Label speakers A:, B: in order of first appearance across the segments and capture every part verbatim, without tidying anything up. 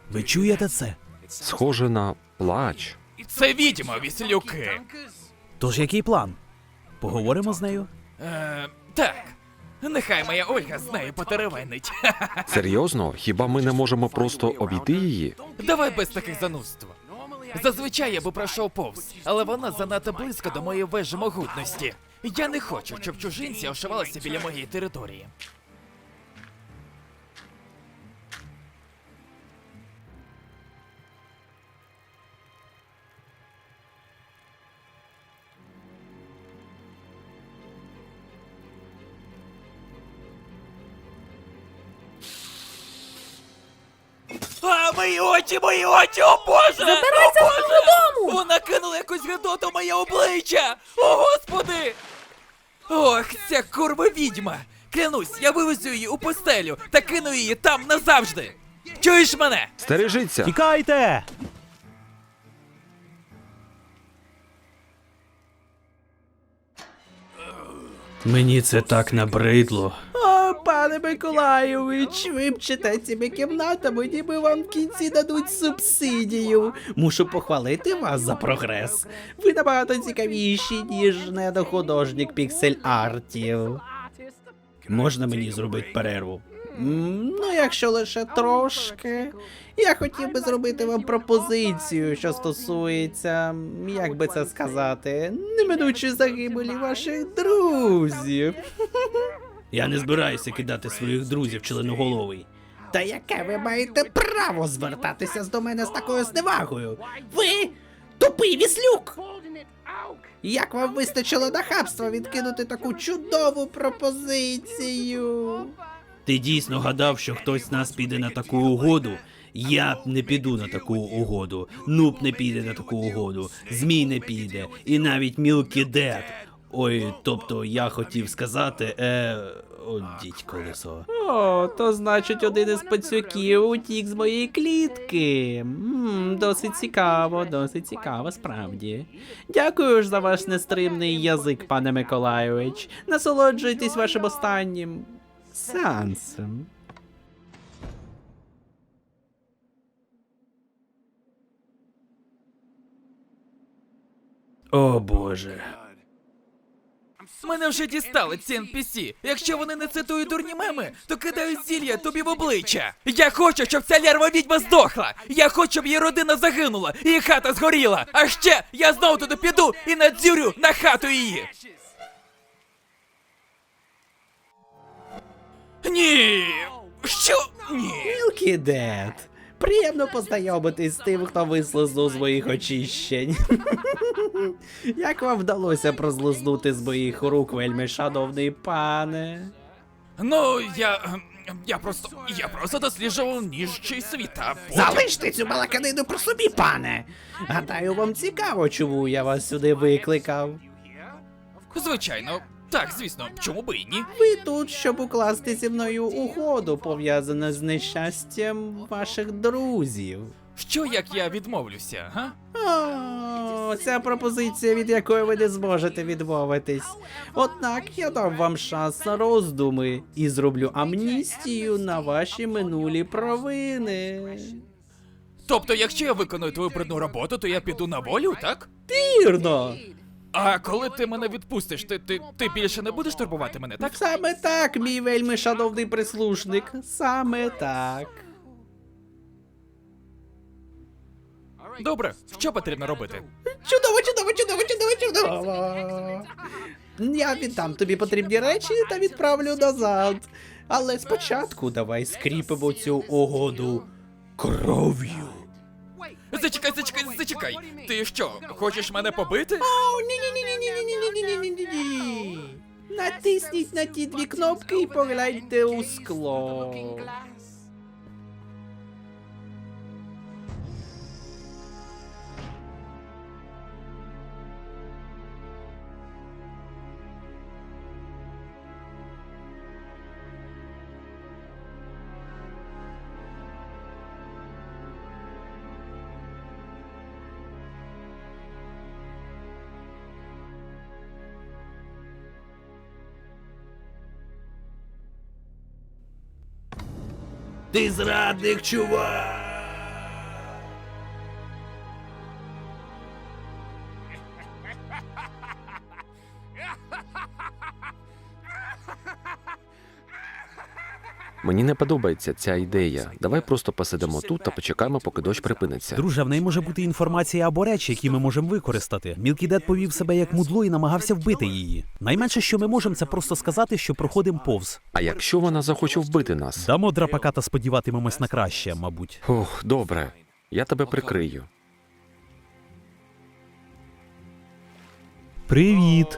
A: Ви чуєте це?
B: Схоже на плач.
C: Це відьма, віслюки.
A: Тож який план? Поговоримо з нею?
C: Е, так. Нехай моя Ольга з нею потеревенить.
B: Серйозно? Хіба ми не можемо просто обійти її?
C: Давай без таких занудств. Зазвичай я би пройшов повз, але вона занадто близько до моєї вежі могутності. Я не хочу, щоб чужинці ошивалися біля моєї території. А, мої очі, мої очі, о боже!
D: Забирайся
C: О, Боже!
D: додому!
C: Вона кинула якусь гадоту в моє обличчя! О, господи! Ох, ця курва відьма! Клянусь, я вивезу її у постелю та кину її там назавжди! Чуєш мене?
B: Стережіться!
A: Тікайте! Мені це так набридло.
E: О, пане Миколайович, ви мчите цими кімнатами, ніби вам в кінці дадуть субсидію. Мушу похвалити вас за прогрес. Ви набагато цікавіші, ніж недохудожник піксель-артів. Можна мені зробити перерву? М, Ну, якщо лише трошки. Я хотів би зробити вам пропозицію, що стосується, як би це сказати, неминучої загибелі ваших друзів.
A: Я не збираюся кидати своїх друзів членоголовий.
E: Та яке ви маєте право звертатися до мене з такою зневагою? Ви тупий віслюк! Як вам вистачило нахабства відкинути таку чудову пропозицію?
A: Ти дійсно гадав, що хтось з нас піде на таку угоду? Я б не піду на таку угоду. Нуб не піде на таку угоду. Змій не піде. І навіть Мілкі Дед. Ой, тобто я хотів сказати, е... О, дідь колесо.
E: О, то значить один із пацюків утік з моєї клітки. М, досить цікаво, досить цікаво, справді. Дякую ж за ваш нестримний язик, пане Миколайович. Насолоджуйтесь вашим останнім сеансом.
A: О боже.
C: Мене вже дістали ці ен пі сі. Якщо вони не цитують дурні меми, то кидають зілля тобі в обличчя. Я хочу, щоб ця лярва відьма здохла. Я хочу, щоб її родина загинула, і її хата згоріла. А ще я знову туди піду і надзюрю на хату її. Ні. Що? Ні.
E: Мілкі Дед. Приємно познайомитись з тим, хто вислизнув з моїх очищень. Як вам вдалося прозлизнути з моїх рук, вельми шановний пане?
C: Ну, я... ем, Я просто... Я просто досліджував ніжчий світ, а потім...
E: Залиште цю балаканину про собі, пане! Гадаю, вам цікаво, чому я вас сюди викликав.
C: Звичайно. Так, звісно, чому би і ні?
E: Ви тут, щоб укласти зі мною угоду, пов'язану з нещастям ваших друзів.
C: Що, як я відмовлюся, га?
E: О, ця пропозиція, від якої ви не зможете відмовитись. Однак я дам вам шанс на роздуми і зроблю амністію на ваші минулі провини.
C: Тобто, якщо я виконую твою брудну роботу, то я піду на волю, так?
E: Вірно!
C: А коли ти мене відпустиш, ти, ти, ти більше не будеш турбувати мене, так?
E: Саме так, мій вельми шановний прислушник. Саме так.
C: Добре, що потрібно робити?
E: Чудово, чудово, чудово, чудово, чудово. Я віддам тобі потрібні речі та відправлю назад. Але спочатку давай скріпимо цю угоду кров'ю.
C: Зачекай, зачекай, зачекай! Ти що, хочеш мене побити?
E: О, ні-ні-ні-ні-ні-ні-ні-ні-ні-ні-ні. Натисніть на ті дві кнопки і погляньте у скло.
A: Ти зрадник, чувак!
B: Мені не подобається ця ідея. Давай просто посидимо тут та почекаємо, поки дощ припиниться.
D: Друже, в неї може бути інформація або речі, які ми можемо використати. Мілкі Дед повів себе як мудло і намагався вбити її. Найменше, що ми можемо, це просто сказати, що проходимо повз.
B: А якщо вона захоче вбити нас?
D: Дамо драпака та сподіватимемось на краще, мабуть.
B: Ох, добре. Я тебе прикрию.
D: Привіт!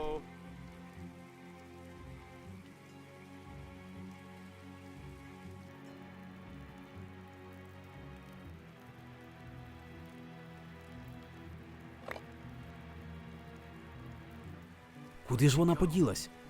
D: Куди ж вона поділась?